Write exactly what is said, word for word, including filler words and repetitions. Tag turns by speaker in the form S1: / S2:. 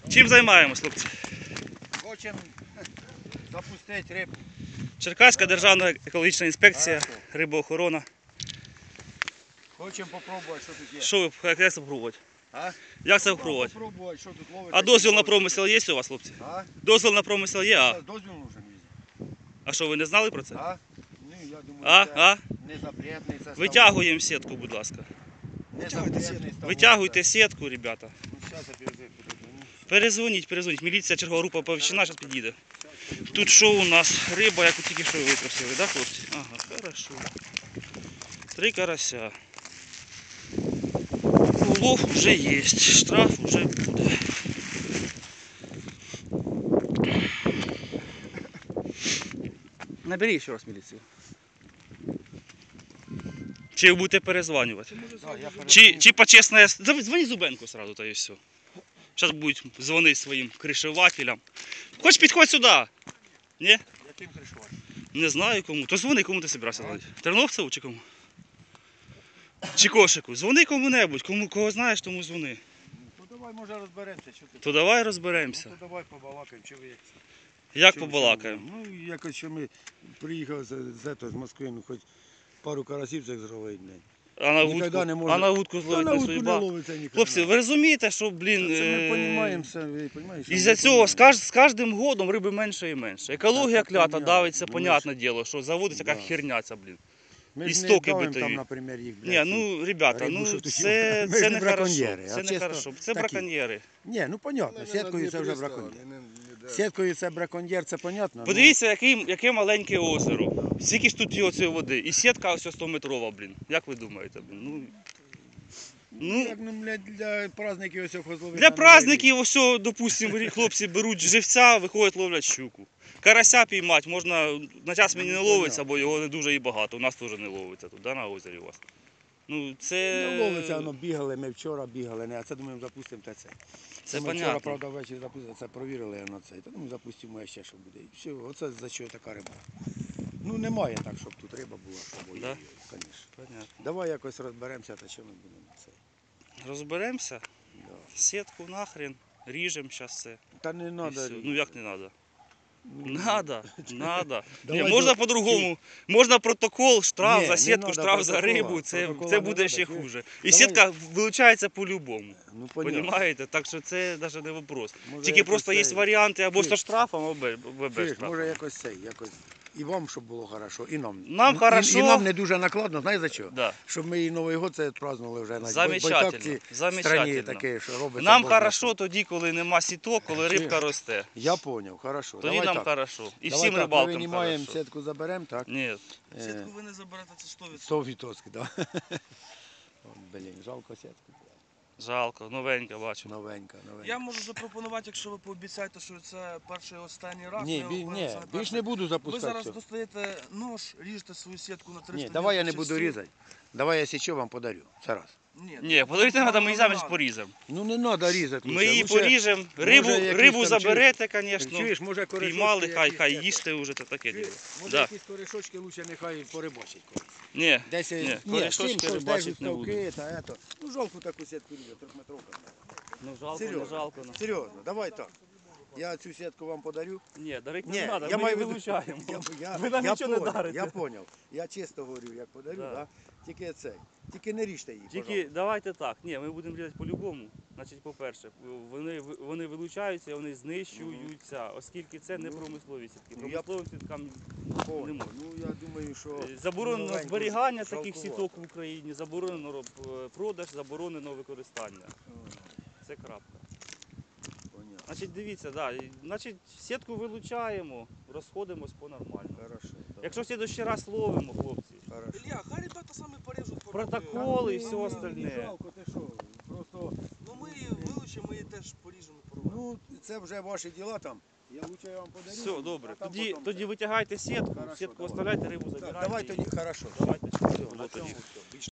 S1: Чим займаємось, хлопці?
S2: Хочемо запустити рибу.
S1: Черкаська державна екологічна інспекція, рибоохорона.
S2: Хочемо попробувати, що тут є.
S1: Що ви, як це спробувати?
S2: А?
S1: Як це спробувати?
S2: Попробувати, що тут ловить.
S1: А дозвіл на промисел є у вас, хлопці?
S2: А?
S1: Дозвіл на промисел є, а?
S2: Дозвіл нужен візьти.
S1: А що, ви не знали про це?
S2: А? Ну, я думаю,
S1: А?
S2: це
S1: А?
S2: не запретний це.
S1: Витягуємо сітку, будь ласка.
S2: Не запретний.
S1: Витягуйте сітку, ребята.
S2: Ну, зараз я передзвоню.
S1: Перезвоніть, перезвоніть. Міліція, чергова група оповіщена, зараз підійде. Тут що у нас? Риба, яку тільки що витрусили, так, хлопці? Ага, хорошо. Три карася. Улов вже є, штраф вже буде. Набери ще раз міліцію. Чи ви будете перезванювати? Чи, чи почесне... Дзвони Зубенку сразу, та і все. Зараз будуть дзвонити своїм кришевателям. Хоч підходь сюди. Ні?
S2: Яким кришувати?
S1: Не знаю кому. То дзвони, кому ти збирався дзвонити. Терновцеву чи кому? Чи Кошику? Дзвони кому-небудь. Кому, кого знаєш, тому дзвони.
S2: Ну, то давай, може, розберемося. Що ти?
S1: То давай розберемося.
S2: Ну, то давай побалакаємо, чи ви...
S1: Як
S2: Чим-
S1: побалакаємо?
S2: чим? Ну, якось, що ми приїхали з, з, ето, з Москви, ну, хоч пару карасів цих зробити.
S1: А на
S2: Ніколи
S1: вудку,
S2: не може.
S1: а на вудку
S2: Та
S1: зловити
S2: на
S1: не
S2: вудку не
S1: судьба.
S2: ловиться ніхто.
S1: Хлопці, ви розумієте, що, блін,
S2: Це ми
S1: е,
S2: розуміємо, все, ви розумієте.
S1: із-за цього з, каж, з кожним годом риби менше і менше. Екологія
S2: Та це
S1: клята
S2: понятно.
S1: давиться,
S2: Ну,
S1: понятне діло, що заводиться
S2: Да.
S1: яка херня ця, блін.
S2: Ми ж не
S1: істоки
S2: давимо
S1: битові.
S2: там, наприклад, їх,
S1: Ні,
S2: блядь,
S1: ну, ребята,
S2: рибу,
S1: ну,
S2: що тут
S1: це,
S2: є. Ми
S1: це
S2: ж
S1: не
S2: не
S1: хорошо,
S2: браконьєри, а
S1: це не
S2: чисто
S1: хорошо, це
S2: такі.
S1: браконьєри.
S2: Ні, ну, понятно, сіткою це вже браконьєр. Сіткою це браконьєр, це понятно.
S1: Подивіться, яке, яке маленьке озеро. Скільки ж тут є оцієї води. І сітка ось сто метрова, блін. Як ви думаєте, блін? Ну,
S2: Ну,
S1: ну,
S2: як, ну, блядь, для праздників ось хозловити.
S1: для праздників ось, допустимо, хлопці беруть живця, виходять, ловлять щуку. Карася піймати можна, на час мені не ловиться, бо його не дуже і багато. У нас теж не ловиться тут, да, на озері у вас. Ну, це...
S2: Не ловиться, воно бігали, ми вчора бігали, не, а це думаємо запустимо та це.
S1: Це
S2: ми
S1: понятно.
S2: вчора, правда, ввечері запустили, це провірили на це. Та думаю, запустимо ще, що буде. І все, оце за що така риба. Ну немає так, щоб тут риба була, щоб
S1: Да?
S2: звісно.
S1: Понятно.
S2: Давай якось розберемося, та що ми будемо це.
S1: Розберемося,
S2: Да.
S1: сітку нахрен, ріжемо зараз все.
S2: Та не
S1: І
S2: треба.
S1: все. Ну як не треба? Надо, надо. Ні,
S2: Давай
S1: можна
S2: до-
S1: по-другому. Можна протокол, штраф
S2: Ні,
S1: за
S2: не
S1: сітку,
S2: надо
S1: штраф за
S2: протокола.
S1: рибу. Це,
S2: Протокола
S1: це
S2: не
S1: буде
S2: надо,
S1: ще
S2: чуєш?
S1: хуже. І
S2: Давай.
S1: сітка вилучається по-любому.
S2: Ну, понятно.
S1: Понімаєте? Так що це навіть не вопрос.
S2: Може,
S1: Тільки
S2: якось
S1: просто є
S2: цей-
S1: варіанти або
S2: Чуєш?
S1: зі штрафом, або без
S2: Чуєш,
S1: штрафу.
S2: може якось цей, якось. І вам, щоб було хорошо, і нам.
S1: Нам
S2: І-
S1: хорошо.
S2: І, нам не дуже накладно, знаєш за що?
S1: Да.
S2: Щоб ми і Новий год це празднували вже на
S1: Замечательно,
S2: Байківці
S1: замечательно.
S2: страні таке, що робиться.
S1: Нам
S2: Боже
S1: хорошо
S2: мій.
S1: тоді, коли нема сіток, коли
S2: Чуєш?
S1: рибка росте.
S2: Я зрозумів, хорошо.
S1: Тоді
S2: Давай
S1: нам
S2: так.
S1: хорошо. І
S2: Давай
S1: всім
S2: так,
S1: рибалкам
S2: Ми винімаємо,
S1: хорошо.
S2: сітку заберемо, так?
S1: Ні.
S2: Е,
S3: Сітку ви не заберете, це сто відсотків.
S2: сто відсотків, так. Блін, жалко сітку.
S1: Жалко, новенька бачу.
S2: Новенька, новенька.
S3: Я можу запропонувати, якщо ви пообіцяєте, що це перший і останній раз.
S2: Ні,
S3: ми
S2: бі,
S3: говоримо,
S2: ні,
S3: це не
S2: більш
S3: перший.
S2: не буду
S3: Ви
S2: запускати.
S3: зараз
S2: цього.
S3: достаєте нож, ріжете свою сітку на триста
S2: Ні, давай я не
S3: десять
S2: буду
S3: часів.
S2: різати. Давай я січу вам подарю. Це раз.
S3: Ні,
S1: Ні, подарити треба, ми її замість
S3: надо.
S1: поріземо.
S2: Ну не треба різати.
S1: Ми
S2: лучше.
S1: її
S2: Лучше-
S1: поріжемо, рибу,
S2: якісь
S1: рибу
S2: там,
S1: заберете,
S2: Чуєш,
S1: звісно.
S2: може корешочки
S1: Піймали, хай,
S2: якісь,
S1: хай
S2: це,
S1: їсти вже, це таке діло.
S2: Може
S1: Да.
S2: якісь корешочки лучше нехай порибачить. колись.
S1: Ні,
S2: Десь,
S1: ні,
S2: ні,
S1: корешочки
S2: з тим, що
S1: рибачить
S2: держать
S1: не буду.
S2: ставки, та ето. Ну жалко таку сітку різати, трьохметровка.
S1: Ну жалко,
S2: Серйозно.
S1: не жалко. ну.
S2: Серйозно, давай так. Я цю сітку вам подарю.
S1: Ні, дарити
S2: Ні,
S1: не треба,
S2: я
S1: ми
S2: маю
S1: її
S2: в виду-
S1: вилучаємо.
S2: Я, я,
S1: Ви нам
S2: я
S1: нічого не
S2: понял,
S1: дарите.
S2: Я зрозумів. Я чисто говорю, як подарю,
S1: Да.
S2: да. Тільки цей. Тільки не ріжте її,
S1: Тільки
S2: пожалуйста.
S1: давайте так. Ні, ми будемо різати по-любому. Значить, по-перше, вони, вони вилучаються, вони знищуються, оскільки це не промислові сітки.
S2: Ну, я-
S1: Промисловим сіткам не
S2: Понял.
S1: можна.
S2: Ну я думаю, що
S1: Е, Заборонено
S2: новеньку
S1: зберігання таких
S2: жалкувато.
S1: сіток в Україні, заборонено роб- е, продаж, заборонено використання. Це крапка.
S2: Понятно.
S1: Значить, дивіться, да, і, значить, сітку вилучаємо, розходимось по-нормальному.
S2: Хорошо. давай.
S1: Якщо в следующий раз ловимо, хлопці,
S2: Хорошо.
S3: Ілля, хай ребята самі поріжуть.
S1: протокол і
S2: Та
S1: все
S2: ні,
S1: остальне.
S2: Не жалко, ти що? Просто,
S3: Ну ми її вилучимо, ми її теж поріжемо. порвемо.
S2: ну, це вже ваші діла там. Я лучше я вам подарю.
S1: Все, добре.
S2: а там
S1: Тоді,
S2: потім
S1: тоді
S2: це.
S1: витягайте сітку,
S2: Хорошо,
S1: сітку
S2: давай.
S1: оставляйте, рибу
S2: Так,
S1: забирайте.
S2: давай
S1: і-
S2: тоді, хорошо.
S1: Давайте, щоб
S2: Все,
S1: було
S2: на цьому
S1: тоді.
S2: все. Більш